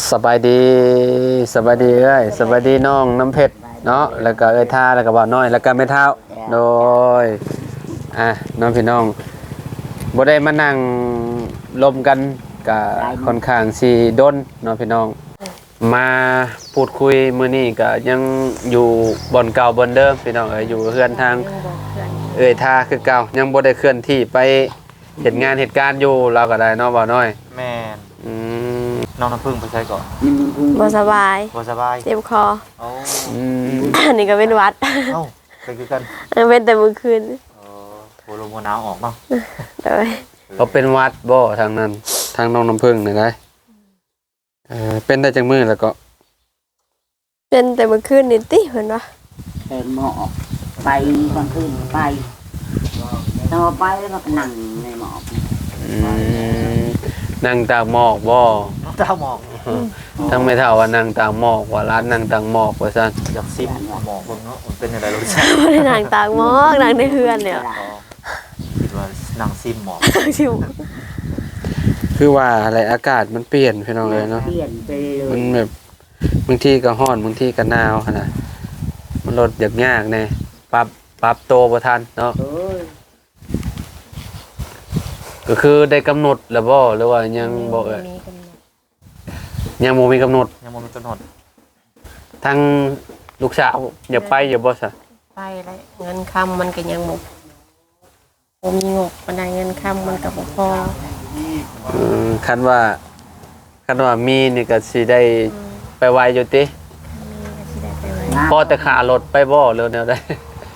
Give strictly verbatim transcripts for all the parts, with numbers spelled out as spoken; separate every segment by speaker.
Speaker 1: สบายดีสบายดีเอ้ยสบายดีน้องน้ำเพชรเนาะแล้วก็เอ้ยท่าแล้วก็บ่าวน้อยแล้วก็แม่เท้าโดยอ่ะน้องพี่น้องบ่ได้มานั่งลมกันก็ค่อนข้างสิดนน้องพี่น้องมาพูดคุยมื้อนี้ก็ยังอยู่บ่อนเก่าบ่อนเดิมพี่น้องเอ้ยอยู่เฮือนทางเอ้ยท่าคือเก่ายังบ่ได้เคลื่อนที่ไปเฮ็ดงานเหตุการณ์อยู่เราก็ได้เนาะบ่าวน้อย
Speaker 2: แม่น
Speaker 1: อืม
Speaker 2: น้องน้ำผึ้งไปใช้ก่อน
Speaker 3: บ่สบาย
Speaker 2: บ่สบาย
Speaker 3: เจ็บคอ
Speaker 2: อ๋อ
Speaker 3: อันนี้ก็เป็นวัด
Speaker 2: เอ้าเป็นคือกัน
Speaker 3: เป็นแต่มื้อคืน
Speaker 2: เออโหลมหนาวออกเนาะ
Speaker 3: โดย
Speaker 1: เขาเป็นวัดบ่ทางนั้นทางน้องน้ำผึ้งนี่ได้เออเป็นได้จังมื้อแล้วก็
Speaker 3: เป็นแต่มื้อคืนนี่ติเพิ่นว่า
Speaker 4: เป็นหมอกไปกลางคืนไปต่อไปแล้วก็นั่งในหมอก
Speaker 1: นั่งตากหมอกบ่
Speaker 2: เจ้าหมอก
Speaker 1: ทั้งไม่เท่าว่านั่งตากหมอกว่าร้านนั่งตากหมอกว่าซั่น
Speaker 2: อยากซิมหมอกเบิ่งเนาะมันเป็นอะไรรู้สึก
Speaker 3: บ่ได้นั่งตากหมอกนั่งในเฮือนเนี่ย
Speaker 2: คิดว่านั่งซิมหมอก
Speaker 3: ชิว
Speaker 1: คือว่าอะไรอากาศมันเปลี่ยนพี่น้องเอ้ยเนาะ
Speaker 4: เปลี่ยนไปเลย
Speaker 1: มันแบบบางทีก็ร้อนบางทีก็หนาวหั่นน่ะมันลดยากยากแน่ปรับปรับโตบ่ทันเนาะก็คือได้กำหนดแล้วบ่หรือว่ายังบ่เอ่ยยังบ่มีกำหนด
Speaker 2: ยังบ่มีกำหนด
Speaker 1: ทั้งลูกสาวอย่าไปอย่าบ่ซะ
Speaker 3: ไปแล้วเงินคำมันก็ยังบ่บ่มีงบปานใดเงินคำมันก็บ่พอ
Speaker 1: อือคันว่าคันว่ามีนี่ก็สิได้ไปไวอยู่ติพอแต่ค่ารถไปบ่หรือแนวใด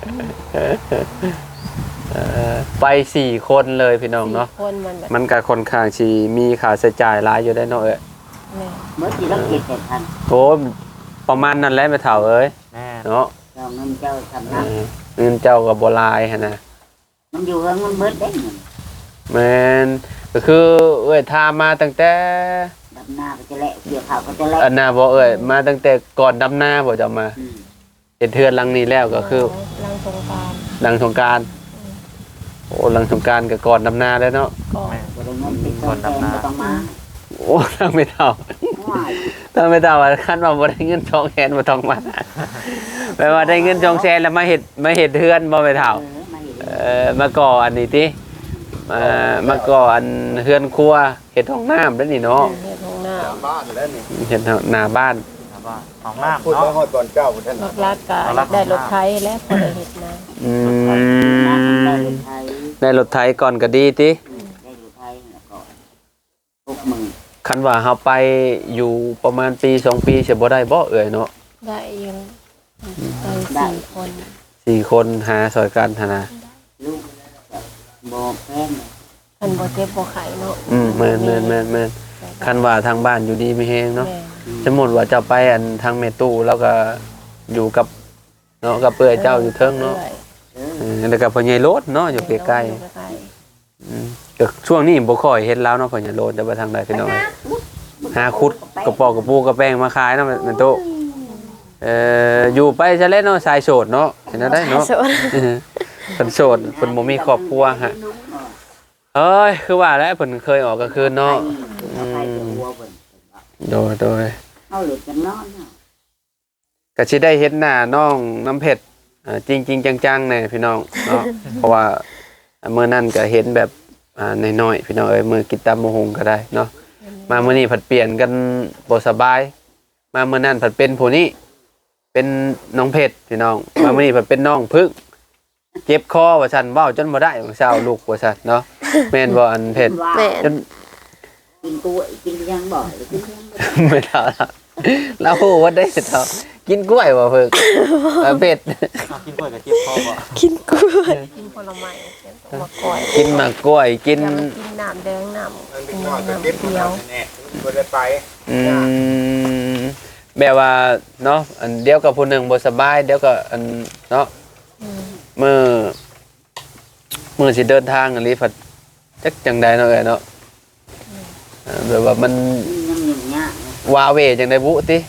Speaker 1: เอ่อไปสี่คนเลยพี่น้องเนาะมันก็ค่อนข้างสิมีค่าใช้จ่ายหลายอยู่ได้เนาะเอ้ย
Speaker 4: เมื่อกี้เราเก็บเจ็ดพัน
Speaker 1: โหประมาณนั้นแหละแม่เฒ่าเอ้ยเนาะ
Speaker 4: เจ้าเงินเจ้าทำนะ
Speaker 1: เงินเจ้าก็บ่หลายหั่นน่ะ
Speaker 4: มันอยู่เงินมันเบิดได้
Speaker 1: แม่นก็คือเอ้ยทามาตั้งแต่
Speaker 4: ดำนาก็จะแลเกี่ยวข้าวก็จะแล
Speaker 1: อันน่ะบ่เอ้ยมาตั้งแต่ก่อนดำนาบ่จะมาเฮ็ดเทือนหลังนี้แล้วก็คือ
Speaker 3: หลังสงกรานต์
Speaker 1: หลังสงกรานต์โอ้หลังสงกรานต์ก็ก่อนดำนาแล้วเนาะ
Speaker 3: ก่อน
Speaker 4: ก่อนดำนาต้องมา
Speaker 1: โอ้ทางไม่เท่าทางไม่เท่าว่าคันว่าบ่ได้เงินสองแสนบ่ต้องมาแปลว่าได้เงินสองแสนแล้วมาเฮ็ดมาเฮ็ดเทือนบ่ไม่เท่าเอ่อมาก่ออันนี้ติมามาก่ออันเฮือนครัวเฮ็ดห้องน้ำแล้วนี่เนาะ
Speaker 3: เฮ็ดห้องน้ำ
Speaker 1: บ้านแล้วนี่เฮ็ดหน้าบ้าน
Speaker 2: หน้าบ้านห้องน้ำเนาะ
Speaker 5: ฮอดก่อนเจ้าพุ่นท่าน
Speaker 3: รักก็ได้รถไถแล้วพอได้เฮ็ดนา
Speaker 1: อืมได้รถไถก่อนก็ดีติ
Speaker 4: ได้รถไถแล้วก็หกหมื่น
Speaker 1: คันว่าเฮาไปอยู่ประมาณปีสองปีสิบ่ได้บ่เอ่ยเนาะ
Speaker 3: ได้อยู่ได้สี่คน
Speaker 1: สี่คนหาซอยกันหั่นน่ะ
Speaker 4: ลูกบ่แพง
Speaker 3: คันบ่เจ็บบ่ไข้เนาะ
Speaker 1: อืมแม่นๆๆๆคันว่าทางบ้านอยู่ดีมีแฮงเนาะสมมุติว่าเจ้าไปอันทางแม่ตู้แล้วก็อยู่กับเนาะกับเปื่อยเจ้าอยู่เทิงเนาะเออแล้วก็พ่อใหญ่โลดเนาะอยู่ใกล้ๆอืมก็ช่วงนี้บ่ค่อยเห็นแล้วเนาะพ่อใหญ่โลดแต่ว่าทางใดพี่น้องหาขุดกระปอกกระปูกระแป้งมาขายเนาะแม่ตู้เอ่ออยู่ไปซะแล้วเนาะสายโสดเนาะเห็นได้เนาะเพิ่นโสดเพิ่นบ่มีครอบครัวฮะเอ้ยคือว่าแล้วเพิ่นเคยออกกลางคืนเนาะอืมโดยโดย
Speaker 4: เอาหลุดกันนอนเนาะ
Speaker 1: ก็สิได้เห็นหน้าน้องน้ำเพชรอ่าจริงๆจังๆแน่พี่น้องเนาะเพราะว่ามื้อนั้นก็เห็นแบบอ่าน้อยๆพี่น้องเอ้ยมื้อกินตำมะฮุงก็ได้เนาะมามื้อนี้ผัดเปลี่ยนกันบ่สบายมามื้อนั้นผัดเป็นผู้นี้เป็นน้องเพชรพี่น้องมามื้อนี้ผัดเป็นน้องพึ่งเจ็บคอว่าซั่นเว้าจนบ่ได้ของเช้าลูกว่าซั่นเนาะแม่นบ่อันเพชรจน
Speaker 4: กินกล้วยกินยังบ่กิน
Speaker 1: ไม่เท่าแล้วฮู้ว่าได้เท่ากินกล้วยบ่พึ่งเพชร
Speaker 2: กินกล้วยกับเจ็บคอบ่
Speaker 3: กินกล้วยกินผลไม้มะกล้วย
Speaker 1: กินมะกล้วยกิน
Speaker 3: กินน้ำแดงน้ำกินน้ำเขียว
Speaker 5: บ่ได้ไป
Speaker 1: อืมแบบว่าเนาะอันเดียวกับผู้หนึ่งบ่สบายเดี๋ยวก็อันเนาะมื้อมื้อสิเดินทางอันนี้ผัดจักจังใดเนาะเอ้ยเนาะแบบว่ามันว้าเวจังได๋บุติ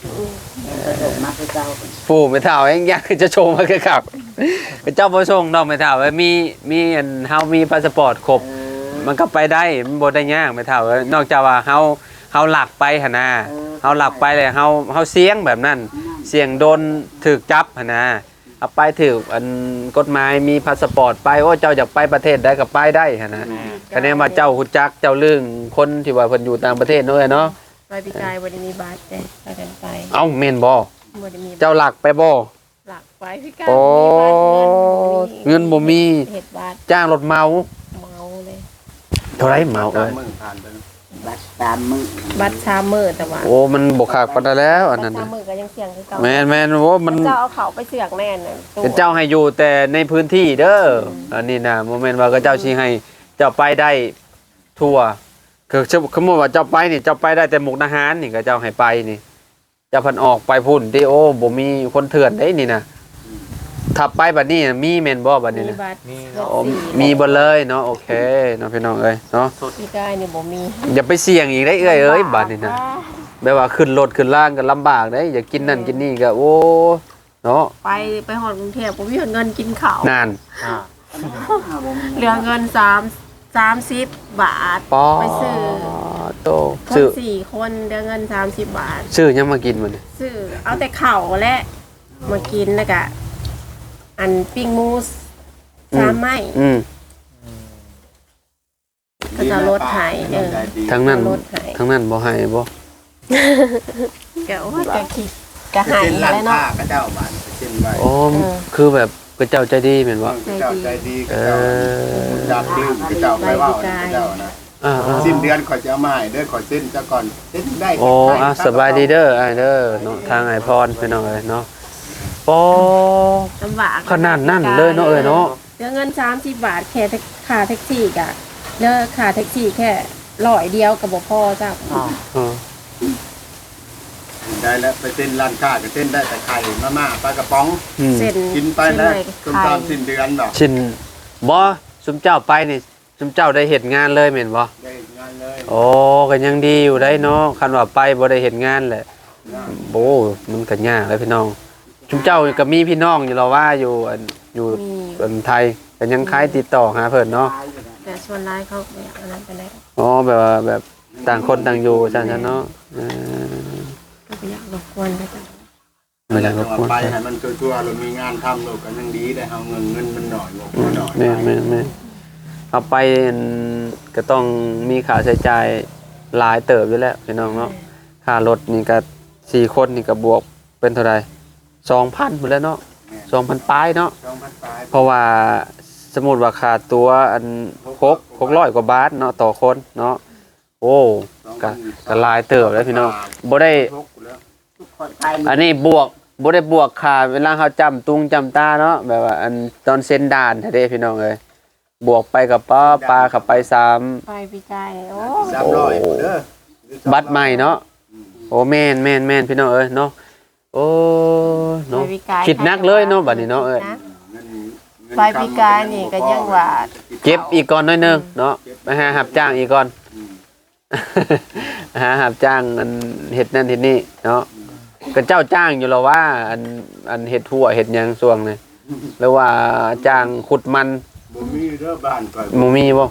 Speaker 1: ปู่ไม่เท่าเองอยากจะโชว์มาคือคักเจ้าบ่ส่งดอกไม่เท่ามีมีอันเฮามีพาสปอร์ตครบมันก็ไปได้มันบ่ได้ยากไม่เท่านอกจากว่าเฮาเฮาหลักไปหั่นน่ะเฮาหลักไปเลยเฮาเฮาเสียงแบบนั้นเสียงโดนถูกจับหั่นนะเอาไปถูกอันกฎหมายมีพาสปอร์ตไปโอ้เจ้าอยากไปประเทศใดก็ไปได้หั่นนะคะแนนว่าเจ้าฮู้จักเจ้าเรื่องคนที่ว่าเพิ่นอยู่ต่างประเทศเนาะเนาะ
Speaker 3: ไปปีกายบ่ได้มีบัตรเด้ไปกันไป
Speaker 1: เอ้าแม่นบ่
Speaker 3: บ่ได้มี
Speaker 1: เจ้าหลักไปบ่
Speaker 3: หลักไปปีกาย
Speaker 1: โอ้เงินบ่มี
Speaker 3: เฮ็ดบัตร
Speaker 1: จ้างรถเมา
Speaker 3: เมาเลย
Speaker 1: เท่าไรเมาเอ้ย
Speaker 5: มึงผ่านไป
Speaker 4: บัดตามมือ
Speaker 3: บัตรสามมื้อแต่ว่า
Speaker 1: โอ้มันบ่คักปานใดแล้วอันนั้น
Speaker 3: บัตรสา
Speaker 1: น่ะ
Speaker 3: มมื้อก็ยังเสี่ยงคือเก่า
Speaker 1: แม่นแม่นโอ้มัน
Speaker 3: เจ้าเอาเขาไปเสือกแม่นน่ะตู้
Speaker 1: เจ้าให้อยู่แต่ในพื้นที่เด้ออันนี้นะโมเมนต์ว่าก็เจ้าชี้ให้เจ้าไปได้ทั่วคือสมมติว่าเจ้าไปนี่เจ้าไปได้แต่มุกดาหารนี่ก็เจ้าให้ไปนี่เจ้าพันออกไปพุ่นที่โอ้บ่มีคนเถื่อนได้นี่นะถ้าไปบัดนี้มีแม่นบ่บัดนี้
Speaker 3: มี
Speaker 1: นะ
Speaker 3: บัตร
Speaker 2: มี
Speaker 3: รถ
Speaker 1: โอ้
Speaker 3: สี่
Speaker 1: มีบ่เลยเนาะโอเคเนาะพี่น้องเอ้ยเนาะ
Speaker 3: ปีกายนี่บ่มี
Speaker 1: อย่าไปเสี่ยงอีกได้เอ้ยเอ้ยบัดนี้นะแบบว่าขึ้นรถขึ้นล่างก็ลำบากได้อย่ากินนั่นกินนี่ก็โอ้เนาะ
Speaker 3: ไปไปฮอดกรุงเทพบ่มีเงินกินข้าวน
Speaker 1: าน
Speaker 2: อ่า
Speaker 3: เหลือเงินสาม สามสิบบาท
Speaker 1: ปอ
Speaker 3: ไปซื้อ
Speaker 1: โต
Speaker 3: ค
Speaker 1: ซื้
Speaker 3: น
Speaker 1: อ
Speaker 3: สี่คนเหลือเงินสามสิบบาท
Speaker 1: ซื้อยังมากินมันย
Speaker 3: ซื้อเอาแต่ข้าวและมากินแล้วก็อันปิ้งหมูสสามไม้
Speaker 1: อืม
Speaker 3: ก็จะลดใหายเออ
Speaker 1: ทั้งนั้น
Speaker 3: ลดใหาย
Speaker 1: ทั้งนั้นบ่ให้บ่
Speaker 3: ก็โอ้ยก็คิดก็ใหาย
Speaker 5: เป็นร้าน
Speaker 3: แล้ว
Speaker 5: ค้า
Speaker 3: เนาะ
Speaker 5: ก็เจ้าบ้านเช่นไว้
Speaker 1: โอ้
Speaker 3: เออ
Speaker 1: คือแบบกระเจ้าใจดีแม่นบ่
Speaker 5: ก็เจ้าใจดีก็
Speaker 1: เอ
Speaker 5: เจ้า
Speaker 1: อ
Speaker 5: จับลืมก็เจ้าไปเว่าก็เจ้านะ
Speaker 1: อ่า
Speaker 5: สิ้นเดือนขอยจะเอามาให้เด้อขอยเส้นเจ้าก่อนเส้นได้
Speaker 1: ๆโอ้อ่ะสบายดีเด้ออ้ายเด้อเนาะทางไอพรพี่น้องเอ้ยเนาะปอ
Speaker 3: ลำบาก
Speaker 1: ขนาดนั้นเลยเนาะเอ้ยเนาะ
Speaker 3: เหลือเงินสามสิบบาทแค่ค่าแท็กซี่กะเหลือค่าแท็กซี่แค่ร้อยเดียวกับบ่พอจ้ะ
Speaker 2: อ้าว
Speaker 1: เออ
Speaker 5: ได้แล้วไปเส้นร้านค้าก็เส้นได้แต่ไข่มาม่าปลากระป๋อง
Speaker 1: อืม
Speaker 3: เส้น
Speaker 5: กินไปแล้ว
Speaker 3: เส้น
Speaker 5: จน
Speaker 3: ไข่
Speaker 5: ตามสิ้นเดือนดอก
Speaker 1: ชินบ่ซุมเจ้าไปนี่ซุมเจ้าได้เฮ็ดงานเลยแม่นบ่
Speaker 5: ได้งานเลย
Speaker 1: โอ้ก็ยังดีอยู่ได้เนาะคันว่าไปบ่ได้เฮ็ดงานแหละโอ้มันก็ยากเลยพี่น้องซุมเจ้าก็มีพี่น้องอยู่แล้วว่าอยู่อันอยู่
Speaker 3: มี
Speaker 1: อันไทยก็ยังคล้ายติดต่อหาเพิ่นเนาะ
Speaker 3: แต่ส่วนร้ายเขาไม่อยากอันนั้นไปได้
Speaker 1: อ๋อแบบว่าแบบต่างคนต่างอยู่จังซั่นเนาะเออ
Speaker 3: ก็ไม่อยากรบกวนไปจ้ะ
Speaker 1: ไม่ได้รบกวน
Speaker 5: ไป
Speaker 1: ใคร
Speaker 5: ให้มันทั่วๆเรามีงานทำเราก็ยังดีได้เอาเงินเงินมันหน่อยบอก
Speaker 1: อืม
Speaker 5: หน่อย
Speaker 1: แม่นแม่นแม่นเอาไปอันก็ต้องมีค่าใช้จ่ายหลายเติบอยู่แล้วพี่น้องเนาะค่ารถนี่ก็สี่คนนี่ก็บวกเป็นเท่าไหร่สองพันหมดแล้วเนาะสองพันปลายเนาะ
Speaker 5: สองพันปลาย
Speaker 1: เพราะว่าสมมุติว่าค่าตัวอันหกหกร้อยกว่าบาทเนาะต่อคนเนาะโอ้ก็ก็หลายเติบแล้วพี่น้องบ่ได้
Speaker 4: ทุกคนไป
Speaker 1: อันนี้บวกบ่ได้บวกค่าเวลาเขาจำตุงจำตาเนาะแบบว่าอันตอนเซ็นด่านแท้เด้พี่น้องเอ้ยบวกไปกับป้าปลาขับไปสาม
Speaker 3: ไปปีกายโอ้
Speaker 5: สามร้อยเด้อ
Speaker 1: บัตรใหม่เนาะโอ้แม่นแม่นแม่นพี่น้องเอ้ยเนาะโอ้เนาะ
Speaker 3: ไปปีกาย
Speaker 1: คิดหนักเลยเนาะบัดนี้เนาะเอ้ย
Speaker 3: ไปปีกายนี่ก็ยังว่า
Speaker 1: เก็บอีกก่อนหน่อยหนึงเนาะไปหาหับจ้างอีกก่อน หาหับจ้างอันเฮ็ดนั่นเฮ็ดนี่เนาะก็เจ้าจ้างอยู่แล้วว่าอันอันเฮ็ดทั่วเฮ็ดหยังช่วงนี้หรือว่าจ้างขุดมัน
Speaker 5: บ่มีเด้อบ้านข่อย
Speaker 1: หมู่มีบ่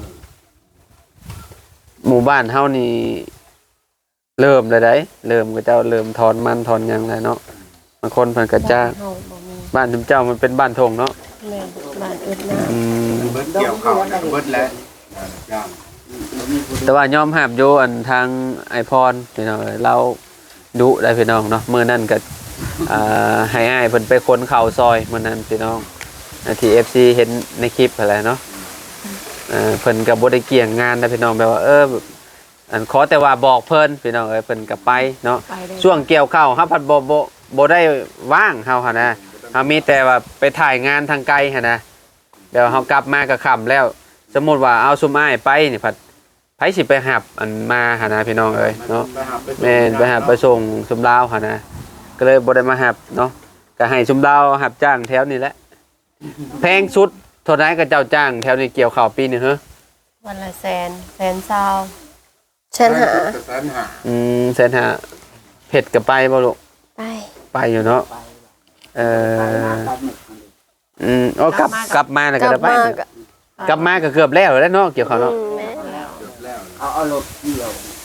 Speaker 1: หมู่บ้านเฮานี่เริ่มเลยได้เริ่มก็เจ้าเริ่มถอนมันถอนหยังแล้วเนาะบางคนเพิ่นก็จ้าง
Speaker 3: เฮาบ่มี
Speaker 1: บ้านทุมเจ้ามันเป็นบ้านทงเนาะ
Speaker 3: แม่บ้านอึดนะ
Speaker 1: อืม
Speaker 5: เบิดเกี่ยวข้าวนะเบิดแล้วจ้าง
Speaker 1: แต่ว่ายอมรับอยู่อันทางไอพรพี่น้องเอ้ยเราดุได้พี่น้องเนาะมื้อนั้นก็อ่าให้อ้ายเพิ่นไปขนข้าวซอยมื้อนั้นพี่น้องที่ เอฟ ซี เห็นในคลิปอะไรเนาะเอ่อเพิ่นก็บ่ได้เกี่ยงงานนะพี่น้องแบบว่าเอออันขอแต่ว่าบอกเพิ่นพี่น้องเอ้ยเพิ่นก็ไปเนาะ
Speaker 3: ไปได้
Speaker 1: ช่วงเกี่ยวข้าวเฮาพัดบ่บ่บ่ได้ว่างเฮาหั่นนะเฮามีแต่ว่าไปถ่ายงานทางไกลหั่นนะเดี๋ยวเฮากลับมาก็ค่ำแล้ว สมมุติว่าเอาซุมอ้ายไปนี่พัดไผสิไปหับอันมาหั่นนะพี่น้องเอ้ยเนาะ
Speaker 5: ไปหาไปส่ง
Speaker 1: แม่นไปหับไปส่งซุมลาวหั่นนะก็เลยบ่ได้มาหับเนาะก็ให้ซุมลาวหับจ้างแถวนี้แหละแพงสุดเท่าไหร่ก็เจ้าจ้างแถวนี้เกี่ยวข้าวปีนึงเหรอ
Speaker 3: วันละแสนแสนเศร้าแสนหา
Speaker 5: แสนหา
Speaker 1: อืมแสนห้าเผ็ดก็ไปบ่ลูก
Speaker 3: ไป
Speaker 1: ไปอยู่เนาะเอ่ออืมโอ้กลับกลับมาแล้วก็ได้ไป กลับมาก็เกือบแล้วแล้วเนาะเกี่ยวเขาวเนาะ
Speaker 3: แม่
Speaker 4: เอาเอารถเกี่ยว
Speaker 1: ก็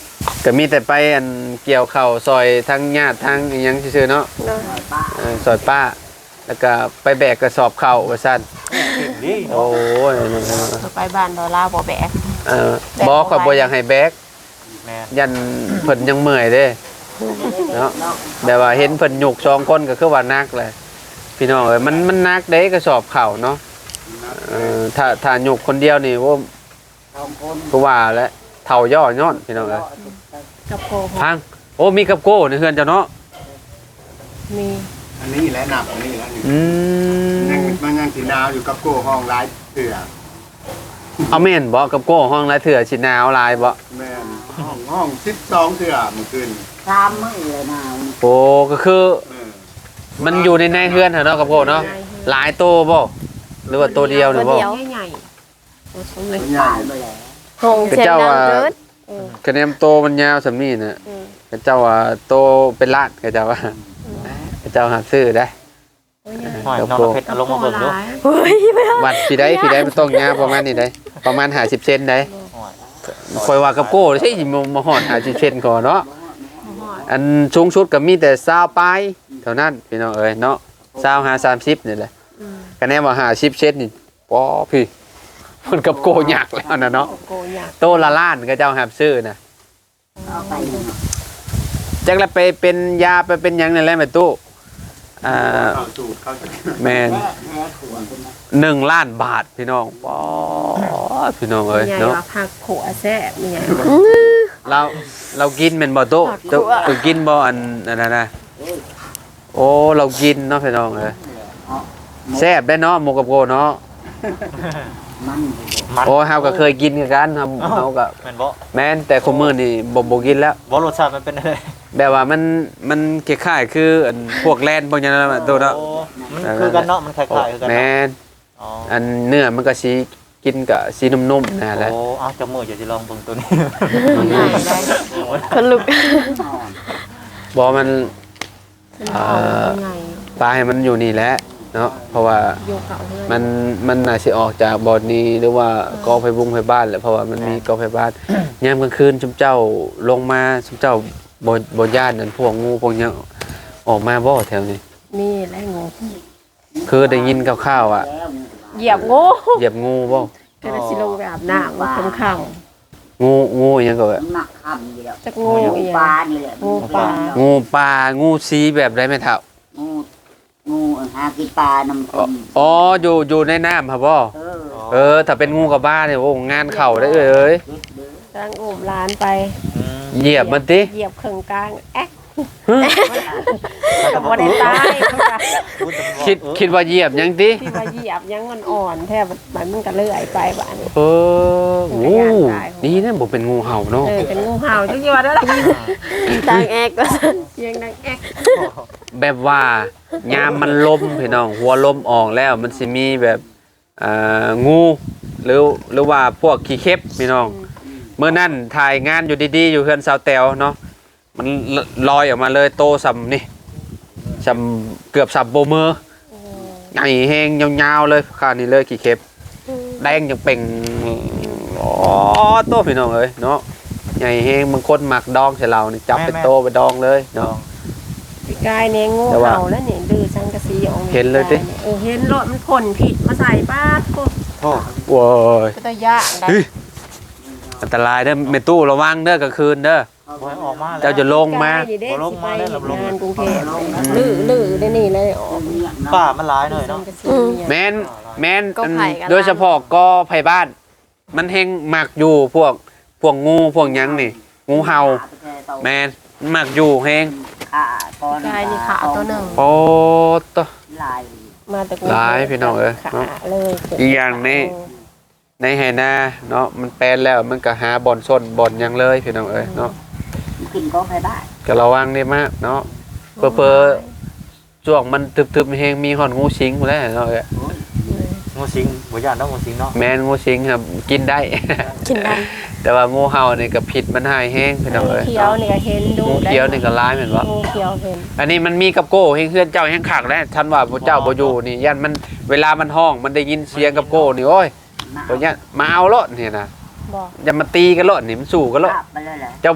Speaker 1: ก็มีแต่ไปอันเกี่ยวข้าวซอยทั้งญาติทั้งอิหยังซื่อๆเนาะ
Speaker 3: เนาะ
Speaker 4: ป้า
Speaker 1: เออซอยป้าแล้วก็ไปแบกกระสอบข้าวว่าซั่น
Speaker 2: นี่
Speaker 1: โอ้ย
Speaker 3: ไปบ้านดอลลาร์บ่แบก
Speaker 1: เออบ่ข่อยบ่อยากให้แบก
Speaker 2: แม่น
Speaker 1: ยันเพิ่นยังเมื่อยเด้เนาะแบบว่าเห็นเพิ่นหยุกสองคนก็คือว่านักแหละพี่น้องเอ้ยมันมันนักเด้กระสอบข้าวเนาะเออถ้าถ้าหยุกคนเดียวนี่โอ้
Speaker 4: สองคน
Speaker 1: ก็ว่าแล้วเฒ่าย่อย่อนพี่น้องเอ้ย
Speaker 3: กับโกหก
Speaker 1: พังโอ้มีกับโก้ในเฮือนเจ้าเนาะ
Speaker 3: มี
Speaker 5: อันนี้แหละหนับอันนี้แหละนี่
Speaker 1: อืม
Speaker 5: ยังมันยังสีนาวอยู่กับโก้ห้องร้ายเถื่อ
Speaker 1: เอาแม่นบ่กับโก้ห้องละเถื่อสิหนาวหลายบ่
Speaker 5: แม่นห้องห้องสิบสองเถื่อเมื่อคืน
Speaker 4: สามมื้อเลยนาว
Speaker 1: โอ้ก็คือ
Speaker 5: เออ
Speaker 1: มันอยู่ในในเฮือนเหรอเนาะกับโก้เนาะหลายโตบ่หรือว่าตัวเดียวหรือบ่
Speaker 3: ตัวใหญ่ๆตัวสมเลย
Speaker 5: ใหญ่
Speaker 4: ตายไปแล้ว
Speaker 3: ห้อง
Speaker 1: ก็
Speaker 3: เสียง
Speaker 1: เจ้า
Speaker 3: ดัง
Speaker 1: ว่า
Speaker 3: เกิน
Speaker 1: คะแนนโตมันยาวสำนี้น่ะ
Speaker 3: อืม
Speaker 1: ก็เจ้าว่าโตเป็นล้านก็เจ้าว่าก็เจ้าหาซื้อได้
Speaker 3: ตัวใหญ่
Speaker 2: หอยน้องเพชรเอาลงมาเบิ่งดู
Speaker 3: เฮ้ยไม่เอา
Speaker 1: วัดพี่ได้พี่ได้มันต้องยาวประมาณนี้ได้ประมาณห้าสิบเซนได้
Speaker 2: หอย
Speaker 1: คอยว่ากับโก้ใช่มามาฮอดห้าสิบเซนก่อนเนาะอันสูงสุดก็มีแต่ซาวปลายเท่านั้นพี่น้องเอ้ยเนาะซาวหาสามสิบนี่แหละคะแนนว่าห้าสิบเซนนี่ป้อพี่มันกับโก้ยากแล้วนะเนาะ
Speaker 3: โกอยาก
Speaker 1: โตละล้านก็เจ้าหาซื้อนะ
Speaker 4: เอาไป
Speaker 1: จักละไปเป็นยาไปเป็นหยังนั่นแหละแม่ตู้อ่า
Speaker 5: เข้าสูตรเข้าจะ
Speaker 1: แม่น
Speaker 4: แม่แม่ขวดเป็นนะ
Speaker 1: หนึ่งล้านบาทพี่น้องป้อพี่น้องเอ้ย
Speaker 3: ใหญ่
Speaker 1: เนาะ
Speaker 3: ว่าผักขัวแซ่บใหญ่
Speaker 1: เราเรากินเป็นบ่โต๊ะเจ้าเออกินบ่อันอันนั้นนะโอ้เรากินเนาะพี่น้องเอ้ยแซ่บได้เนาะหมูกับโกเนาะ
Speaker 4: มันไปเลย
Speaker 2: มัน
Speaker 1: โอ้เฮาก็เคยกินคือกันเฮาเฮาก็
Speaker 2: แม่นบ่
Speaker 1: แม่นแต่คนมื้อนี่บ่บ่กินแล้ว
Speaker 2: บ่รสชาติมันเป็นอะไร
Speaker 1: แบบว่ามันมันคล้ายๆคืออันพวกแลนพวกหยังนั่นแหละโตะเนาะ
Speaker 2: โอ้มันคือกันเนาะมันคล้ายๆคือกัน
Speaker 1: แม่
Speaker 2: เนาะ
Speaker 1: น
Speaker 2: อ๋อ
Speaker 1: อันเนื้อมันก็สีกินกับสีนุ่มๆนะแหละ
Speaker 2: โอ้เอาจมูกอย่าสิลองเบิ่งตัวนี้
Speaker 3: ใหญ่ได้คนลุก
Speaker 1: บ่มัน
Speaker 3: มันเอาใหญ่
Speaker 1: ปลาให้มันอยู่นี่แหละเนาะเพราะว่า
Speaker 3: โยกเอาเลย
Speaker 1: มันมันน่าสิออกจากบ่อนนี้หรือว่ากอไฟบุ้งไฟบ้านแหละเพราะว่ามันมีกอไฟบ้านยามกลางคืนชุมเจ้าลงมาชุมเจ้าบ่บ่ย่านนั่นพวกงูพวกหยังออกมาบ่แถวนี้
Speaker 3: นี่แหละงู
Speaker 1: คือได้ยินคร่าวๆอ่ะ
Speaker 3: เหยียบงู
Speaker 1: เหยียบงูบ่
Speaker 3: ก็เลยสิลงไปอาบน้ำว่าค่ำ
Speaker 1: งูงูอิหยังก็แบบ
Speaker 4: หนักคำอยู่แล้ว
Speaker 3: ๆจักงูอีห
Speaker 4: ป
Speaker 3: ยั
Speaker 4: ลาง นี่แหละ
Speaker 3: งูปลา
Speaker 1: งูปลางูสีแบบใดแม่เฒ่า
Speaker 4: งูงูหากินปลาน้ำ
Speaker 1: อ๋อ
Speaker 4: ต้ม
Speaker 1: อ๋ออยู่อยู่ในน้ำครับบ่
Speaker 4: เออ
Speaker 1: เออถ้าเป็นงูกับบ้านเนี่ยโอ้งานเข่าได้เอ้ย
Speaker 4: เด็ดเด้อก
Speaker 3: ำลังอุ้มหลานไป
Speaker 2: อืม
Speaker 1: เหยียบมันติ
Speaker 3: เหยียบเข่งกลางแอ๊กกับบ่ได้ตาย
Speaker 2: พูดแต่ว่า
Speaker 1: คิด
Speaker 2: เออ
Speaker 1: คิดว่าเหยียบยังติ
Speaker 3: ที่ว่าเหยียบยังมันอ่อนแทบมันมันก็เลื่อยไปบ้าน
Speaker 1: เออโอ้นี่นะบ่เป็นงูเห่าเนาะ
Speaker 3: เออเป็นงูเห่าจังซี่ว่าได้ล่ะดังแอ๊กก็เสียงดังแอ๊ก
Speaker 1: แบบว่ายามมันลมพี่น้องหัวลมออกแล้วมันสิมีแบบอ่างูหรือหรือว่าพวกขี้เข็บพี่น้องเมื่อนั้นถ่ายงานอยู่ดีๆอยู่เฮือนสาวแตวเนาะมันลอยออกมาเลยโตสำนี่สำเกือบสับโบมือใหญ่แห้งยาวๆเลยข้านี่เลยขี้เข็บแดงยังเป่งอ๋อโตพี่น้องเอ้ยเนาะใหญ่แห้งบางคนหมักดองใส่เรานี่จับเป็นโตไปดองเลย
Speaker 2: ลอ
Speaker 1: เนาะ
Speaker 2: ง
Speaker 3: กายเนี่ยงู
Speaker 1: แต่ว่า
Speaker 3: เห่าแล้วเนี่ยดื้อสังกะสีออก
Speaker 1: เห็นเลยดิ
Speaker 3: เออเห็นรถมันพ่นผิดมาใส่ป้าดโคตร
Speaker 2: โอ้
Speaker 1: โว้ย
Speaker 3: ก็ตะยะได้
Speaker 1: เฮ้ยอันตรายเด้อเมตู้ระวังเด้อกลางคืนเด้อ
Speaker 2: หอยออกมาแล้ว
Speaker 1: เจ้าจะลงมา
Speaker 3: กยนี่เด้
Speaker 2: บ่ลง
Speaker 3: สิ
Speaker 2: มา
Speaker 3: ไป
Speaker 2: ได้หรอลง
Speaker 3: งานกรุงเทพลื้อลื้อได้นี่เลยออก
Speaker 4: เนี่ยเนาะ
Speaker 2: ป่ามันหลายหน่อยเนาะ
Speaker 3: สังกะสี
Speaker 1: แม
Speaker 3: เนี่ย
Speaker 1: นแมน
Speaker 3: ก็ไผ่กัน
Speaker 1: โดยเฉพาะกอไผ่บ้าน มันแห้งหมักอยู่พวกพวกงูพวกหยังนี่ งูเห่าแมนหมักอยู่แห้ง
Speaker 4: ขาก้อน
Speaker 3: กายนี่ขาตัวหนึ่ง
Speaker 1: โอ้ตะ
Speaker 4: ลาย
Speaker 3: มาแต่กรุงเทพ
Speaker 1: หลายพี่น้องเอ้ย
Speaker 3: ขาเลย
Speaker 1: อีกอย่างนี้ ในไหนาเนาะมันแปลนแล้วมันก็หาบ่อนส้นบ่อนหยังเลยพี่น้องเอ้ยเนาะ
Speaker 4: กินก็ไปได้
Speaker 1: ก็ระวังได้มากเนาะเพ้อเพ้อช่วงมันทึบๆแห้งมีหอนงูสิงหมดแล้วเนาะเอ้ย
Speaker 2: งูสิงบ่ย่านเนาะงูสิงเนาะ
Speaker 1: แมนงูสิงครับกินได้
Speaker 3: กินได้
Speaker 1: แต่ว่างูเห่านี่ก็ผิดมันหายแห้งพี่น้อง
Speaker 3: งู
Speaker 1: เอ้ย
Speaker 3: เขียวนี่ก็เห็นดู
Speaker 1: งูเขียวนี่ก็ร้ายเหมือนว่า
Speaker 3: งูเขียวเห็น
Speaker 1: อันนี้มันมีกับโก้แห้งเพื่อนเจ้าแห้งขักแล้วท่านว่าพระเจ้าบ่อยู่นี่ยันมันเวลามันห้องมันได้ยินเสียงกับโก้นี่โอ้ยตัวเนี้ยมาเอารถนี่นะ
Speaker 3: บอก
Speaker 1: อย่ามาตีกันรถนี่มันสู้กันรถ
Speaker 4: ไปเลยแหละ
Speaker 1: เจ้า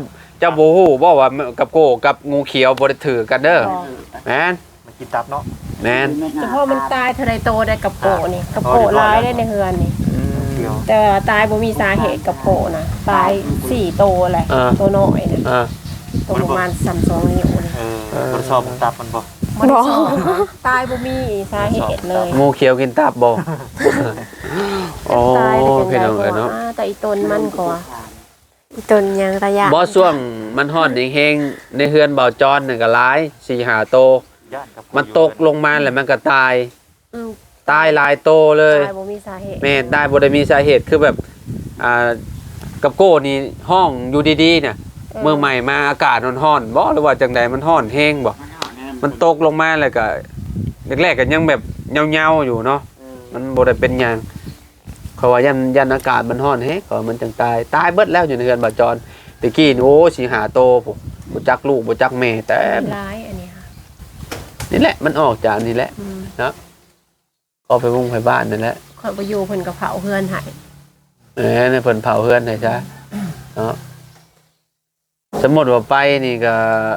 Speaker 1: เจ้าโบฮูบ่ว่ากับโกกับงูเขียวบ่ได้ถือกันเด้อแม่น
Speaker 2: มันกินตับเนาะ
Speaker 1: แม่น
Speaker 3: แต่พอมันตายเท่าไรโตได้กับโปนี่กับโปร้ายได้ในเฮือนนี่
Speaker 2: เดียว
Speaker 3: แต่ตายบ่มีสาเหตุกับโปนะตายสี่โตแหละตัวน้อยเนี่ย
Speaker 1: อ่า
Speaker 3: ตัวประมาณสามสองนิ้วนี่
Speaker 2: เออทดสอบตับมันบ่
Speaker 3: มันสองตายบ่มีสาเหตุเลย
Speaker 1: งูเขียวกินตับบ่โอ้
Speaker 3: ตายได้
Speaker 1: พี่
Speaker 3: จั
Speaker 1: น้อง
Speaker 3: งได๋
Speaker 1: เอ้ยเนาะ
Speaker 3: แต่อีตนมันก็ว่า
Speaker 6: จนยังระยะ
Speaker 1: บ่ช่วงมันฮ้อนเฮงๆในเฮือนเบาจอนนึงก็หลาย สี่ห้าโต
Speaker 2: ย่านกับ
Speaker 1: มันตกลงมาแล้วมันก็ตาย
Speaker 3: อืม
Speaker 1: ตายหลายโตเลย
Speaker 3: ตายบ่มีสาเหตุ
Speaker 1: แม่นได้บ่ได้มีสาเหตุคือแบบอ่ากับโก้นี่ห้องอยู่ดีๆเนี่ยเมื่อใหม่มาอากาศมันร้อนบ่หรือว่าจังใดมันร้อนแฮงบ่มันตกลงมาแล้วก็แรกๆก็ยังแบบเหงาๆอยู่เนาะมันบ่ได้เป็นหยังเขาว่ายันยันอากาศมันร้อนแฮงเขาว่ามันจังตายตายเบิดแล้วอยู่ในเรือนบ่จรตะกี้นี่โอ้สิหาโตผมบ่จักลูกบ่จักแม่แต่
Speaker 3: ร้ายอันนี้ค่ะ
Speaker 1: นี่แหละมันออกจากนี่แหละ
Speaker 3: อืม
Speaker 1: ก็ไปมุ่งไปบ้านนั่นแหละ
Speaker 3: ข่อยบ่อยู่เพิ่นก็เผาเฮือนให้
Speaker 1: เออในเพิ่นเผาเฮือนให้ซะเนาะสมมุติว่าไปนี่ก็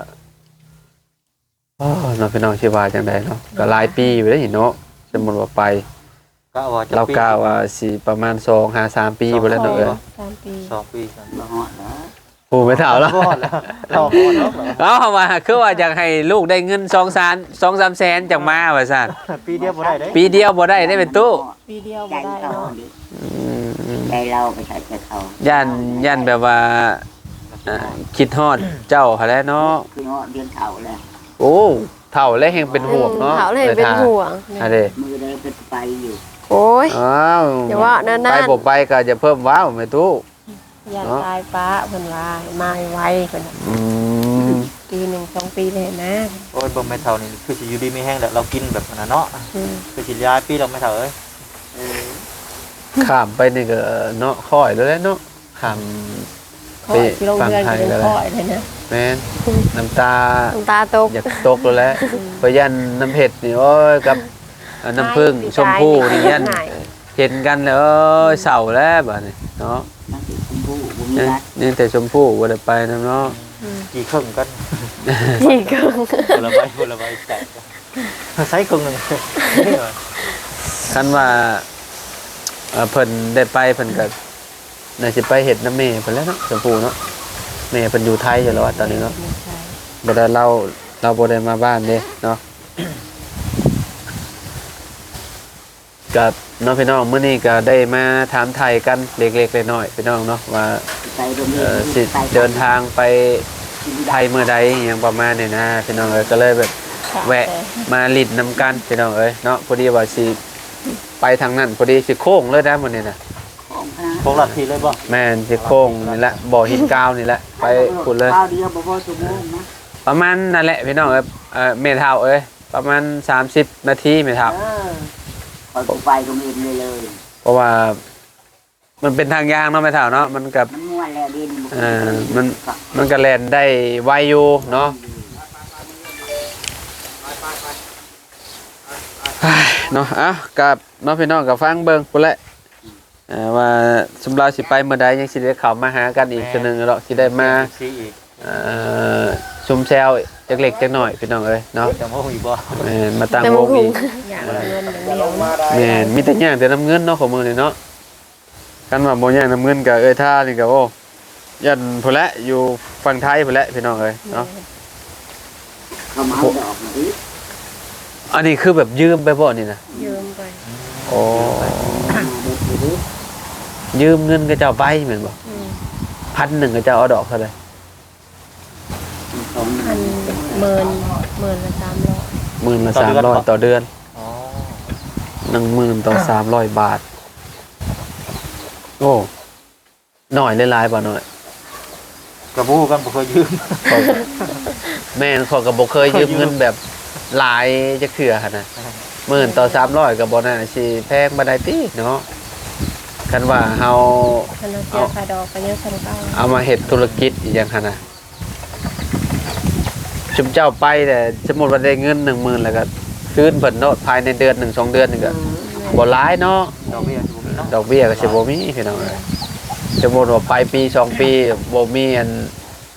Speaker 1: โอ้เนาะพี่น้องสิว่าจังไดเนาะก็หลายปีอยู่เด้เนาะสมมุติว่าไป
Speaker 2: ก็ว่าจะ
Speaker 1: เรากล่าวว่าสิประมาณสองห้าสามปีบ่แล้วเนาะเอ้ย
Speaker 3: สามปี
Speaker 2: สองปีสาม
Speaker 4: บ่ฮอดแล้ว
Speaker 1: ผู้ไม่เฒ่าแล้ว
Speaker 2: รอดแล้วเราพอแล้วเหรอ
Speaker 1: เอ้าว่าคือว่าอยากให้ลูกได้เงินสองแสน สองสามแสนจากมาว่าซั่น
Speaker 2: ปีเดียวบ่ได้เด้
Speaker 1: ปีเดียวบ่ได้ได้เป็นตู้
Speaker 3: ปีเดียว
Speaker 4: ใจ
Speaker 3: บ่ได้
Speaker 4: เขา
Speaker 3: เนาะ
Speaker 4: ดิ
Speaker 1: อืม
Speaker 4: ใจเราไปใช้ใจเขา
Speaker 1: ย่านย่านแบบว่าอ่าคิดฮอดเจ้าหั่นแหละเนาะ
Speaker 4: คือฮอดเดือนเขาเลย
Speaker 1: โอ้เฒ่าแล้วแฮงเป็นห่วงเนาะ
Speaker 6: เขาเลยเป็นห่วง
Speaker 1: อันเด้
Speaker 4: มือได้เป็นไปอยู่
Speaker 6: โอ้ย
Speaker 1: อ้าว
Speaker 6: อย่าว่านั่นๆ
Speaker 1: ไปบ่ไปก็จะเพิ่มว้าวแม่ตู้
Speaker 3: อย่า
Speaker 1: เนาะ
Speaker 3: ตายฟ้าเพิ่นว่าให้มาให้ไวเพิ่นน่ะ
Speaker 1: อืม
Speaker 3: ปีหนึ่งสองปีเลยนะ
Speaker 2: โอ้ยเบิ่งไม่เท่านี่คือสิอยู่ดีไม่แห้งแล้วเรากินแบบนั้นเนาะ
Speaker 3: อืม
Speaker 2: คือสิย้ายปีเราไม่เท่าเอ้ย
Speaker 4: เออ
Speaker 1: ข้ามไปนี่ก็เนาะค่อยแล้วแหละเนาะข้าม
Speaker 3: ขอที่โรงเรียนก็ยังคอยเลยนะ
Speaker 1: แม่นน้ำตา
Speaker 6: น้ำตาตก
Speaker 1: อยากตกแล้วแหละเพราะยันน้ำเผ็ดนี่โอ้ยกับอ่าน้ำผึ้งชมพู่นี่ยัน
Speaker 3: ไหน
Speaker 1: เห็นกันแล้วเอ้ยเศร้าแล้วบัดนี้เนาะ
Speaker 4: นักศึกษาผู้บ่มี
Speaker 1: ยัง
Speaker 4: รัก
Speaker 1: ยังแต่ชมพู่บ่ได้ไปนํเนาะ
Speaker 2: กี่ครึ่งกัน
Speaker 6: นี่ก็
Speaker 2: คนละใบคนละใบแตกใช้ครึ่งหนึงนี่เหรอ
Speaker 1: คันว่าเอ่อเพิ่นได้ไปเพิ่นก็น่าสิไปเฮ็ดน้ำแม่เพิ่นแล้วเนาะชมพู่เนาะแม่เพิ่นอยู่ไทยอยู่แล้วอะตอนนี้เนาะ บ่ได้เราเราบ่ได้มาบ้านเด้เนาะกับน้องพี่น้องมื้อนี้ก็ได้มาถามไทยกันเล็กๆน้อยๆพี่น้องเนาะว่า
Speaker 4: ไปโรงเรี
Speaker 1: เอ่
Speaker 4: ย
Speaker 1: อน สิเดินทางไปไทยเมื่อใดอหยังประมาณนี้นะพี่น้องเอ้ยก็เลยแบบแวะมาลิดน้ำกันพี่น้องเอ้ยเนาะพอดีว่าสิไปทางนั้นพอดีสิโค้งเลยนะมื้อนี้น่ะ
Speaker 4: ของคณะ
Speaker 2: พวกหลักทีเลยบ่
Speaker 1: แม่นสิโค้งนี่แหละบ่อหินกาวนี่แหละไปพุ่นเลย
Speaker 4: ข้าวเดียวบ่พอชั่วโมงนะ
Speaker 1: ประมาณนั่นแหละพี่น้องเอ้ยเอ่อเมทาวเอ้ยประมาณสามสิบนาทีเมทาว
Speaker 4: เออพอกูไปโรงเรียนเลยเลย
Speaker 1: เพราะว่ามันเป็นทางยางเนาะเมทาวเนาะมันกับ
Speaker 4: มันม่วนแล้วดิน
Speaker 1: เอ่อมันมันก็แล่นได้ไวอยู่เนาะเนาะอ่ะกับน้องพี่น้องกับฟังเบิ่งพุ่นแหละเอ่อว่าสำหรับสิไปเมื่อใดยังสิได้เข้ามาหากันอีกคือนึงเนาะสิได้มา
Speaker 2: ซีอีก
Speaker 1: เอ่อชุมแซวจักเล็กจักหน่อยพี่น้องเอ้ยเนาะ
Speaker 2: จะมาหูอีกบ่
Speaker 1: แม่นมาตั้ง
Speaker 6: แต่
Speaker 1: ว
Speaker 6: มึ
Speaker 1: ง
Speaker 6: ง
Speaker 1: อีก
Speaker 3: อยากเอาเงินอย่างเดียวนะ
Speaker 1: แม่นมีแต่ย่างแต่น้ำเงินเนาะของมือนี่เนาะกันว่าบ่ย่างน้ำเงินกับเอ้ยท่านี่ก็โอ้ยันพุ่นละอยู่ฝั่งไทยพุ่นละพี่น้องเอ้ยเนาะ
Speaker 4: เขามาเอาดอกมาดิ
Speaker 1: อันนี้คือแบบยืมไปบ่นี่นะ
Speaker 3: ยืมไป
Speaker 1: โอ้
Speaker 4: มาเด็ดดิ
Speaker 1: ยืมเงินก็เจ้าไปแม่นบ่
Speaker 3: อืม
Speaker 1: พันหนึ่งก็เจ้าเอาดอกเท่าไหร่
Speaker 4: ของ
Speaker 3: พันหมื่นหมื่นละสามร้อย
Speaker 1: หมื่นละสามร้อยต่อเดือน
Speaker 2: อ๋อ
Speaker 1: หนึ่งหมื่นต่อสามร้อยบาทโอ้หน่อยหลายๆบ่หน่อย
Speaker 2: กระบู้กันบ่เคยยืม
Speaker 1: ข้อยก็แม่นเขอยก็บ่เคยยืมเงินแบบหลายจักเทื่อหั่นน่ะ หมื่นต่อสามร้อยกับบอน่าสิแพงบันไดตีเนาะคันว่าเฮา
Speaker 3: คันเราเสียค่าดอกก็ยังสำคัญ
Speaker 1: เอามาเฮ็ดธุรกิจอีกอย่างหั่นน่ะชุมเจ้าไปแต่สมมุติว่าได้เงินหนึ่งหมื่นแล้วก็คืนเพิ่นเนาะภายในเดือนหนึ่งสองเดือนนี่ก็บ่หลายเนาะ
Speaker 2: ดอกเบี้ยสิบ่มีเนาะ
Speaker 1: ดอกเบี้ยก็สิบ่มีพี่น้องเอ้ยสมมุติว่าไปปีสองปีบ่มีอันคื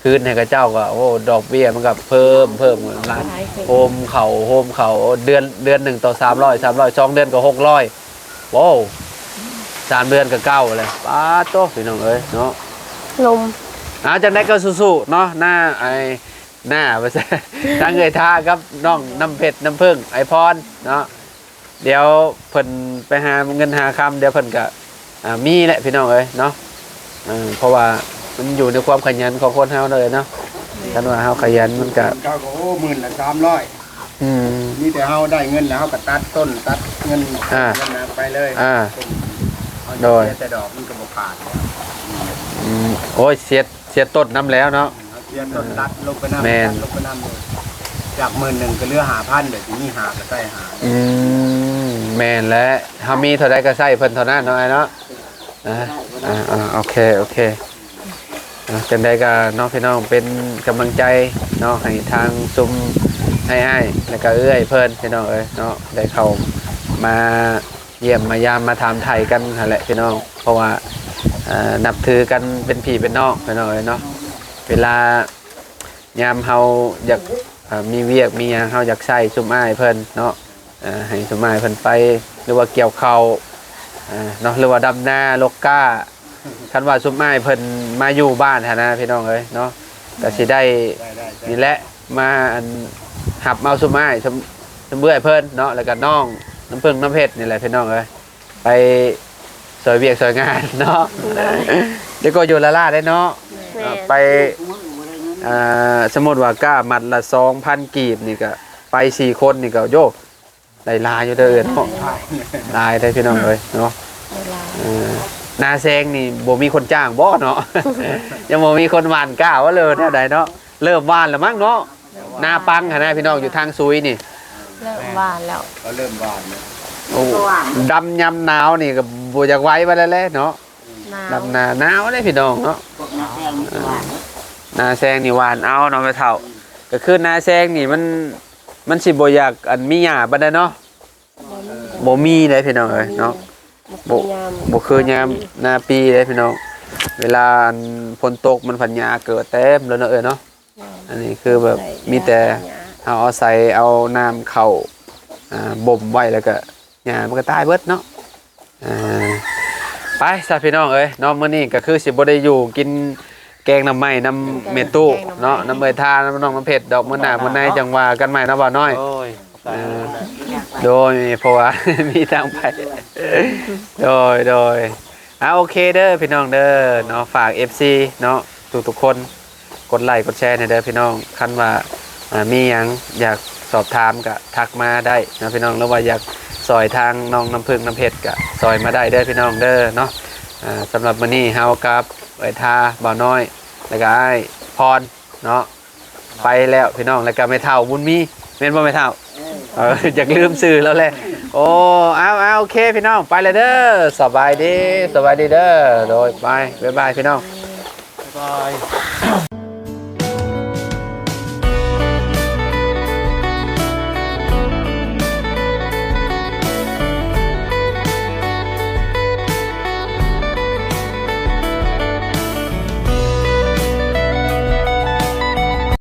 Speaker 1: คืนให้กับเจ้าก็โอ้ดอกเบี้ยมันก็เพิ่มเพิ่มหลาย
Speaker 3: หลายขึ้น
Speaker 1: โฮมเขาโฮมเขาเดือนเดือนหนึ่งต่อสามร้อยสามร้อยสองเดือนก็หกร้อยโว้วสามเดือนก็เก้าเลยป้าโตพี่น้องเอ้ยเนาะ
Speaker 6: ลม
Speaker 1: อาจากนั้นก็สู้ๆเนาะหน้าไอ้หน้าไปซะทางเอ่ยท่าครับน้องน้ำเพชรน้ำผึ้งไอพรเนาะเดี๋ยวเพิ่นไปหาเงินหาคำเดี๋ยวเพิ่นก็อ่ามีแหละพี่น้องเอ้ยเนาะเออเพราะว่ามันอยู่ในความขยันของคนเฮาเลยเนาะคันว่าเฮาขยันมันก็
Speaker 5: เขาก็โอ้หมื่นละสามร้อย
Speaker 1: อืม
Speaker 5: นี่แต่เฮาได้เงินแล้วเฮาก็ตัดต้นตัดเงิน
Speaker 1: อ่า
Speaker 5: เงินนะไปเลย
Speaker 1: อ่า
Speaker 5: เอา
Speaker 1: โดย
Speaker 5: เสีแต่ดอกมันก็บ่ขาดแล้ว
Speaker 1: อืมโอ้ยเสียดเสียดต้นน้ำแล้วเนาะ
Speaker 5: เอาเสียต้นตัดลงไปน้ำ
Speaker 1: แม่น
Speaker 5: ตัดลงไปน้ำเลยจากหมื่นหนึ่งก็เหลือหาพันเดี๋ยวทีนี้หาก็ใส่หา
Speaker 1: อืมแม่นแล้วเฮามีเท่าใดก็ใช้เพิ่นเท่านั้นเนาะไอ้เนาะอ่าอ่าอ่าโอเคโอเคอ่ะจังใดก็น้องพี่น้องเป็นกำลังใจเนาะให้ทางซุมให้อ้ายแล้วก็เอื้อยเพิ่นพี่น้องเอ้ยเนาะได้เข้ามาเยี่ยมมายามมาถามไทยกันนั่นแหละพี่น้องเพราะว่าอ่านับถือกันเป็นพี่เป็นน้องพี่น้องเอ้ยเนาะเวลายามเฮาอยากอ่ามีเวียกมีหยังเฮาอยากใช้ซุมอ้ายเพิ่นเนาะอ่าให้ซุมอ้ายเพิ่นไปหรือว่าเกี่ยวข้าวอ่าเนาะหรือว่าดำนาลกก้าคันว่าซุมอ้ายเพิ่นมาอยู่บ้านหั้นนะพี่น้องเอ้ยเนาะก็สิได้
Speaker 5: ได้ได้ได้
Speaker 1: นี่แหละมาอันหับเอาซุมอ้ายซุมซุมเบื่อยเพิ่นเนาะแล้วก็น้องน้ำผึ้งน้ำเพชรนี่แหละพี่น้องเอ้ยไปสวยเวียกสวยงานเนาะเดี๋ยวก็อยู่ละล่าได้เนาะ
Speaker 6: แม่
Speaker 1: ไปอ่าสมมุติว่าก้ามัดละสองพันกีบนี่ก็ไปสี่คนนี่ก็โยกได้ลายอยู่เด้อเนาะลายได้พี่น้องเลยเนาะ
Speaker 3: เวลา
Speaker 1: เออนาแซงนี่บ่มีคนจ้างบ่เนาะ ยังบ่มีคนหว่านก้าว่าเลยแนวใดเนาะเริ่มหว่านแล้วมั้งเนาะนาปังหั่นนะพี่น้องอยู่ทางซุยนี่
Speaker 6: เลิกหวานแล้ว
Speaker 5: เขาเริ่มหวานแล้ว
Speaker 1: โอ้ดำยำหนาวนี่ก็บ่อยากไว้ไปแล้วแหละเนาะ
Speaker 6: หนาว
Speaker 1: ดำนาหนาวเลยพี่น้องเนาะ
Speaker 4: พวกนักแสดงนี่หวาน
Speaker 1: นาแซงนี่หวานเอาเนาะไปเท่าก็คือนาแซงนี่มันมันสิบ่อยากอันมีหญ้าปานใดเนาะบ่มีเลยพี่น้องเอ้ยเนาะ
Speaker 3: บ่
Speaker 1: บ่บ่คือยามนาปีเลยพี่น้องเวลาอันฝนตกมันพันหญ้าเกิดเต็มแล้วเนาะเอ้ยเนาะอันนี้คือแบบมีแต่เอาเอาใส่เอาน้ำเข้าอ่าบ่มไว้แล้วก็หญ้ามันก็ตายเบิดเนาะอ่าไปซะพี่น้องเอ้ยเนาะมื้อนี้ก็คือสิบ่ได้อยู่กินแกงน้ำไหม้น้ำเมตู้เนาะน้ำเมยทาน้ำน้องน้ำเผ็ดดอกมื้อหน้ามื้อในจังว่ากันใหม่เนาะบ่าวน้อย
Speaker 2: โอ้ย
Speaker 1: เออโดยเพราะว่า มีทางไป โดยโดยอ่าโอเคเด้อพี่น้องเด้อเนาะฝาก เอฟ ซี เนาะทุกทุกๆคนกดไลค์กดแชร์ให้เด้อพี่น้องคันว่าอ่ามีหยังอยากสอบถามก็ทักมาได้นะพี่น้องหรือว่าอยากซอยทางน้องน้ำพึ่งน้ำเพชรก็ซอยมาได้เด้อพี่น้องเด้อเนาะอ่าสำหรับมื้อนี้เฮากับไอ้ทาบ่าวน้อยแล้วก็ไอ้พรเนาะไปแล้วพี่น้องแล้วก็แม่เฒ่าบุญมีแม่นบ่แม่เฒ่า เอออยากลืมสื่อแล้วแหละโอ้เอาเอาโอเคพี่น้องไปเลยเด้อสบายดีสบายดีเด้อโดยไปบ๊ายบายพี่น้อง
Speaker 2: บ๊ายบาย